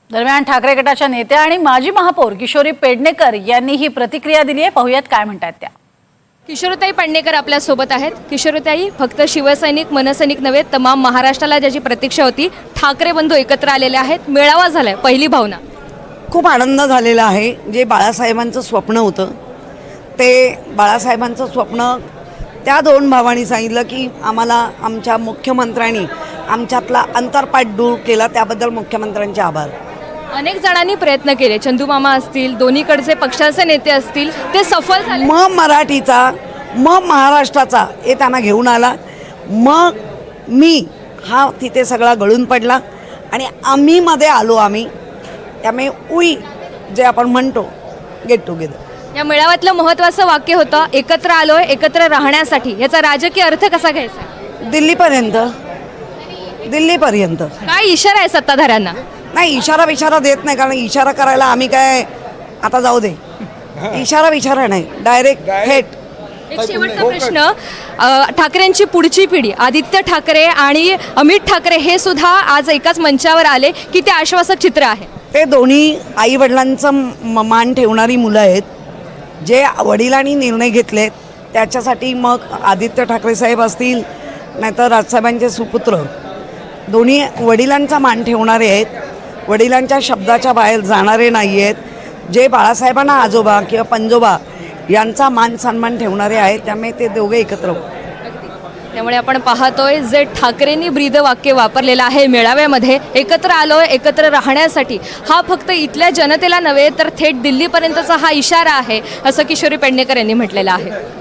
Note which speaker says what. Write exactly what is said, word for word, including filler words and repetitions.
Speaker 1: दरम्यान ठाकरे गटाच्या नेत्या आणि माजी महापौर किशोरी पेडणेकर यांनी ही प्रतिक्रिया दिली आहे। पाहूयात काय म्हणतात त्या।
Speaker 2: किशोरीताई पेडणेकर आपल्या सोबत आहेत। किशोरीताई, फक्त शिवसैनिक मनसैनिक नव्हे, तमाम महाराष्ट्राला ज्याची प्रतीक्षा होती, ठाकरे बंधू एकत्र आलेले आहेत, मेळावा झालाय, पहिली भावना?
Speaker 3: खूप आनंद झालेला आहे। जे बाळासाहेबांचं स्वप्न होतं ते बाळासाहेबांचं स्वप्न त्या दोन भावांनी सांगितलं की आम्हाला आमच्या मुख्यमंत्र्यांनी आमच्यातला अंतरपाठ दूर केला, त्याबद्दल मुख्यमंत्र्यांचे आभार।
Speaker 2: अनेक जणांनी प्रयत्न केले, चंदूमामा असतील, दोन्हीकडचे पक्षाचे नेते असतील, ते सफल झाले।
Speaker 3: मग मराठीचा, मग महाराष्ट्राचा हे त्यांना घेऊन आला। मग मी हा तिथे सगळा गळून पडला आणि आम्ही मध्ये आलो। आम्ही त्यामुळे उई जे आपण म्हणतो गेट टुगेदर।
Speaker 2: या मेळाव्यातलं महत्त्वाचं वाक्य होतं, एकत्र आलोय एकत्र राहण्यासाठी। याचा राजकीय अर्थ कसा घ्यायचा?
Speaker 3: दिल्लीपर्यंत दिल्लीपर्यंत
Speaker 2: काय इशारा आहे सत्ताधाऱ्यांना?
Speaker 3: नाही, इशारा विचारा देत नाही, कारण इशारा करायला आम्ही काय आता जाऊ दे, इशारा विचारा नाही, डायरेक्ट थेट।
Speaker 2: एक शेवटचा प्रश्न, अ, ठाकरेंची पुढची पिढी आदित्य ठाकरे आणि अमित ठाकरे हे सुद्धा आज एकाच मंचावर आले की ते आश्वासक चित्र आहे?
Speaker 3: ते दोन्ही आई वडिलांचं मान ठेवणारी मुलं आहेत, जे वडिलांनी निर्णय घेतलेत त्याच्यासाठी। मग आदित्य ठाकरे साहेब असतील, नाहीतर राजसाहेबांचे सुपुत्र, दोन्ही वडिलांचा मान ठेवणारे आहेत, वडिलांच्या शब्दाच्या बाहेर जाणारे नाही आहेत, जे बाळासाहेबांना आजोबा किंवा पंजोबा यांचा मान सन्मान ठेवणारे आहेत। त्यामुळे ते दोघे एकत्र होते।
Speaker 2: त्यामुळे आपण पाहतोय जे ठाकरेंनी ब्रीद वाक्य वापरलेलं आहे मेळाव्यामध्ये, एकत्र आलोय एकत्र राहण्यासाठी, हा फक्त इथल्या जनतेला नव्हे तर थेट दिल्लीपर्यंतचा हा इशारा आहे, असं किशोरी पेडणेकर यांनी म्हटलेलं आहे।